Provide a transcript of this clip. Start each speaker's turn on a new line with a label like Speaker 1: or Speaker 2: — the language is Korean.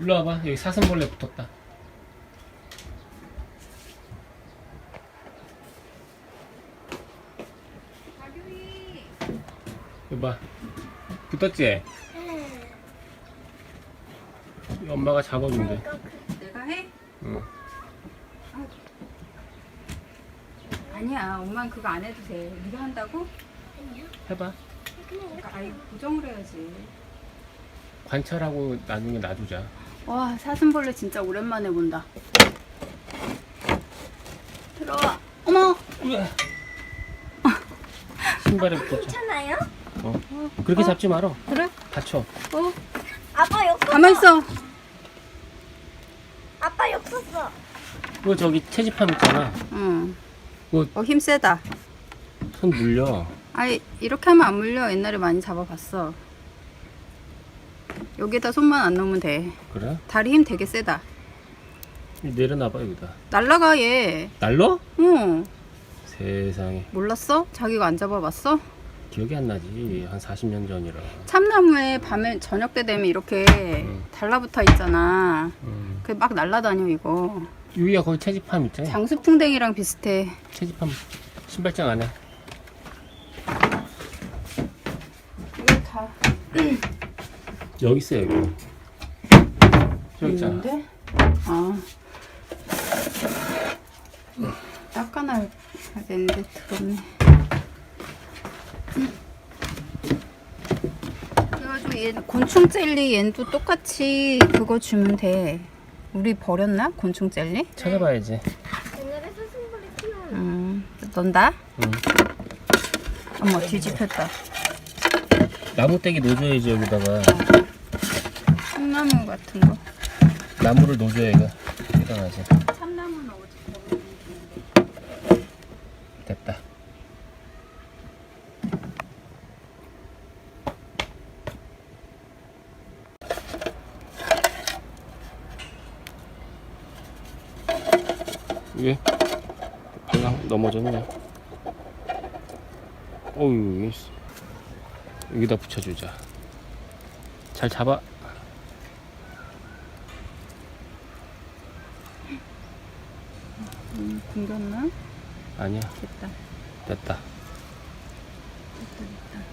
Speaker 1: 일로 와봐. 여기 사슴벌레 붙었다.
Speaker 2: 가교이.
Speaker 1: 여기 봐. 붙었지? 엄마가 잡아준대.
Speaker 2: 내가 해?
Speaker 1: 응.
Speaker 2: 아니야, 엄마는 그거 안 해도 돼. 네가 한다고?
Speaker 1: 해봐.
Speaker 2: 그러니까 아이 고정을 해야지.
Speaker 1: 관찰하고 나중에 놔두자.
Speaker 2: 와, 사슴벌레 진짜 오랜만에 본다. 들어와. 어머.
Speaker 1: 우와. 신발에 붙었죠.
Speaker 3: 괜찮아요?
Speaker 1: 그렇게 잡지 말어.
Speaker 2: 그래?
Speaker 1: 다쳐.
Speaker 3: 아빠 욕 썼어.
Speaker 2: 가만 있어.
Speaker 3: 아빠 욕 썼어.
Speaker 1: 그거 저기 채집함 있잖아.
Speaker 2: 응.
Speaker 1: 그거
Speaker 2: 힘 세다.
Speaker 1: 손 물려.
Speaker 2: 아이, 이렇게 하면 안 물려. 옛날에 많이 잡아봤어. 여기다 손만 안 넣으면 돼.
Speaker 1: 그래?
Speaker 2: 다리 힘 되게 세다.
Speaker 1: 내려놔봐 여기다.
Speaker 2: 날라가 얘.
Speaker 1: 날로?
Speaker 2: 응.
Speaker 1: 세상에.
Speaker 2: 몰랐어? 자기가 안 잡아봤어?
Speaker 1: 기억이 안 나지. 한 40년 전이라.
Speaker 2: 참나무에 밤에 저녁 때 되면 이렇게 달라붙어 있잖아. 그게 막 날라다녀 이거.
Speaker 1: 유이야 거기 채집함 있잖아.
Speaker 2: 장수풍뎅이랑 비슷해.
Speaker 1: 채집함 신발장 안에.
Speaker 2: 이거 다
Speaker 1: 여기 있어 여기. 저기 있잖아.
Speaker 2: 있는데? 아. 닦아놔야 되는데 더럽네. 그래가지고 얘 곤충 젤리 얘도 똑같이 그거 주면 돼. 우리 버렸나? 곤충 젤리?
Speaker 1: 찾아봐야지.
Speaker 3: 옛날에 사슴벌레 키우는.
Speaker 2: 넣는다?
Speaker 1: 응.
Speaker 2: 어머 뒤집혔다.
Speaker 1: 나무떼기 놓줘야지 여기다가.
Speaker 2: 참나무 같은 거.
Speaker 1: 나무를 놓줘야 이거 일어나지.
Speaker 2: 참나무는 어디?
Speaker 1: 됐다. 왜? 그냥 넘어졌네. 어휴, 여기다 붙여주자. 잘 잡아.
Speaker 2: 굶겼나?
Speaker 1: 아니야,
Speaker 2: 됐다.
Speaker 1: 됐다.
Speaker 2: 됐다.